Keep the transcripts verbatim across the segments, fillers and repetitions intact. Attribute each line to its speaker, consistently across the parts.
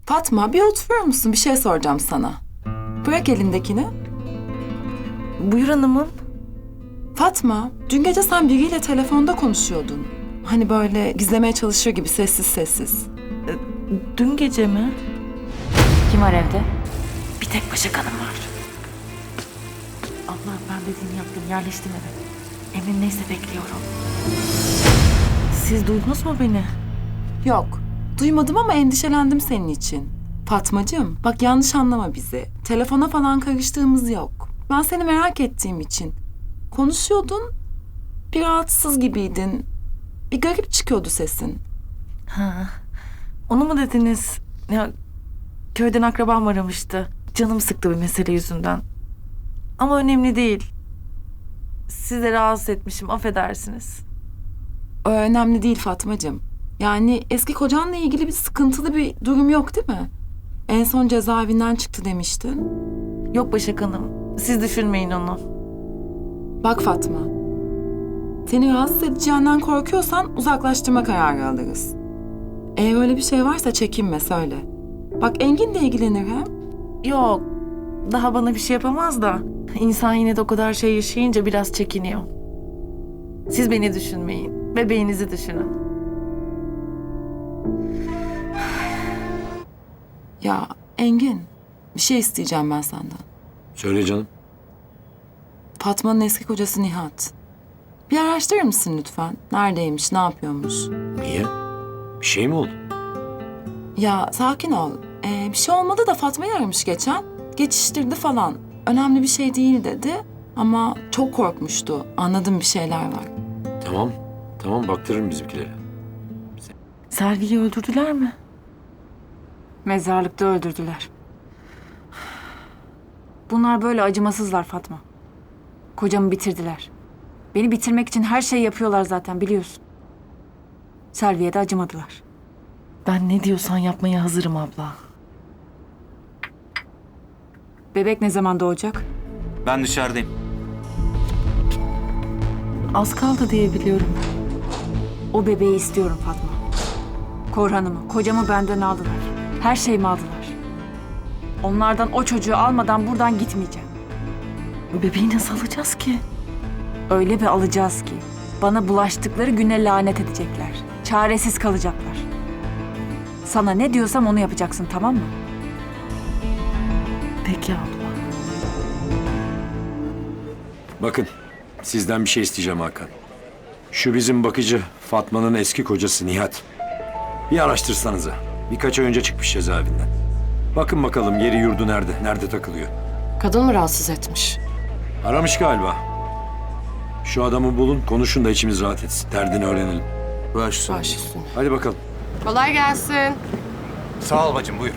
Speaker 1: Fatma, bir oturur musun? Bir şey soracağım sana. Bırak elindekini.
Speaker 2: Buyur hanımım.
Speaker 1: Fatma, dün gece sen biriyle telefonda konuşuyordun. Hani böyle gizlemeye çalışır gibi sessiz sessiz.
Speaker 2: Dün gece mi?
Speaker 3: Kim var evde?
Speaker 2: Bir tek Başak Hanım var. Allah, ben dediğini yaptım. Yerleştim eve. Emrin neyse bekliyorum. Siz duydunuz mu beni?
Speaker 1: Yok, duymadım ama endişelendim senin için. Fatmacığım, bak yanlış anlama bizi. Telefona falan karıştığımız yok. Ben seni merak ettiğim için. Konuşuyordun, bir rahatsız gibiydin. Bir garip çıkıyordu sesin.
Speaker 2: Ha. Onu mu dediniz? Ya köyden akrabam aramıştı. Canım sıktı bir mesele yüzünden. Ama önemli değil. Sizi rahatsız etmişim, affedersiniz.
Speaker 1: O önemli değil Fatmacığım. Yani eski kocanla ilgili bir sıkıntılı bir durum yok değil mi? En son cezaevinden çıktı demiştin.
Speaker 2: Yok Başak Hanım, siz düşünmeyin onu.
Speaker 1: Bak Fatma, seni rahatsız edeceğinden korkuyorsan uzaklaştırma kararı alırız. Eğer öyle bir şey varsa çekinme, söyle. Bak Engin de ilgilenir hem.
Speaker 2: Yok, daha bana bir şey yapamaz da. İnsan yine de o kadar şey yaşayınca biraz çekiniyor. Siz beni düşünmeyin, bebeğinizi düşünün.
Speaker 1: Ya Engin, bir şey isteyeceğim ben senden.
Speaker 4: Söyle canım.
Speaker 1: Fatma'nın eski kocası Nihat. Bir araştırır mısın lütfen? Neredeymiş, ne yapıyormuş?
Speaker 4: Niye? Bir şey mi oldu?
Speaker 1: Ya sakin ol. Ee, bir şey olmadı da Fatma'yı aramış geçen. Geçiştirdi falan. Önemli bir şey değil dedi. Ama çok korkmuştu. Anladım, bir şeyler var.
Speaker 4: Tamam. Tamam, baktırırım bizimkilere.
Speaker 2: Selvi'yi öldürdüler mi?
Speaker 3: Mezarlıkta öldürdüler. Bunlar böyle acımasızlar Fatma. Kocamı bitirdiler. Beni bitirmek için her şeyi yapıyorlar zaten, biliyorsun. Selvi'ye de acımadılar.
Speaker 2: Ben ne diyorsan yapmaya hazırım abla.
Speaker 3: Bebek ne zaman doğacak?
Speaker 5: Ben dışarıdayım.
Speaker 2: Az kaldı diye biliyorum.
Speaker 3: O bebeği istiyorum Fatma. Korhan'ımı, kocamı benden aldılar. Her şeyimi aldılar. Onlardan o çocuğu almadan buradan gitmeyeceğim.
Speaker 2: Bebeği nasıl alacağız ki?
Speaker 3: Öyle bir alacağız ki bana bulaştıkları güne lanet edecekler. Çaresiz kalacaklar. Sana ne diyorsam onu yapacaksın, tamam mı?
Speaker 2: Peki abla.
Speaker 4: Bakın, sizden bir şey isteyeceğim Hakan. Şu bizim bakıcı Fatma'nın eski kocası Nihat. Bir araştırsanıza. Birkaç ay önce çıkmış cezaevinden. Bakın bakalım yeri yurdu nerede, nerede takılıyor.
Speaker 6: Kadın mı rahatsız etmiş?
Speaker 4: Aramış galiba. Şu adamı bulun, konuşun da içimiz rahat etsin. Derdini öğrenelim.
Speaker 5: Baş üstüne.
Speaker 6: Baş üstüne.
Speaker 4: Hadi bakalım.
Speaker 6: Kolay gelsin.
Speaker 7: Sağ ol bacım, buyur.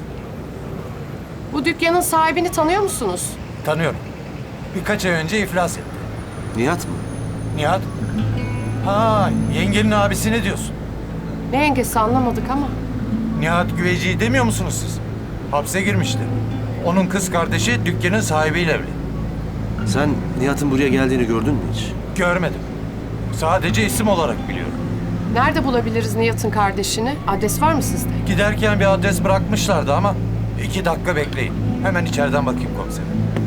Speaker 6: Bu dükkanın sahibini tanıyor musunuz?
Speaker 7: Tanıyorum. Birkaç ay önce iflas etti.
Speaker 5: Nihat mı?
Speaker 7: Nihat? Ha, yengenin abisi ne diyorsun?
Speaker 6: Ne yengesi anlamadık ama.
Speaker 7: Nihat Güveci'yi demiyor musunuz siz? Hapse girmişti. Onun kız kardeşi dükkanın sahibiyle evli.
Speaker 5: Sen Nihat'ın buraya geldiğini gördün mü hiç?
Speaker 7: Görmedim. Sadece isim olarak biliyorum.
Speaker 6: Nerede bulabiliriz Nihat'ın kardeşini? Adres var mı sizde?
Speaker 7: Giderken bir adres bırakmışlardı ama iki dakika bekleyin. Hemen içeriden bakayım komiserim.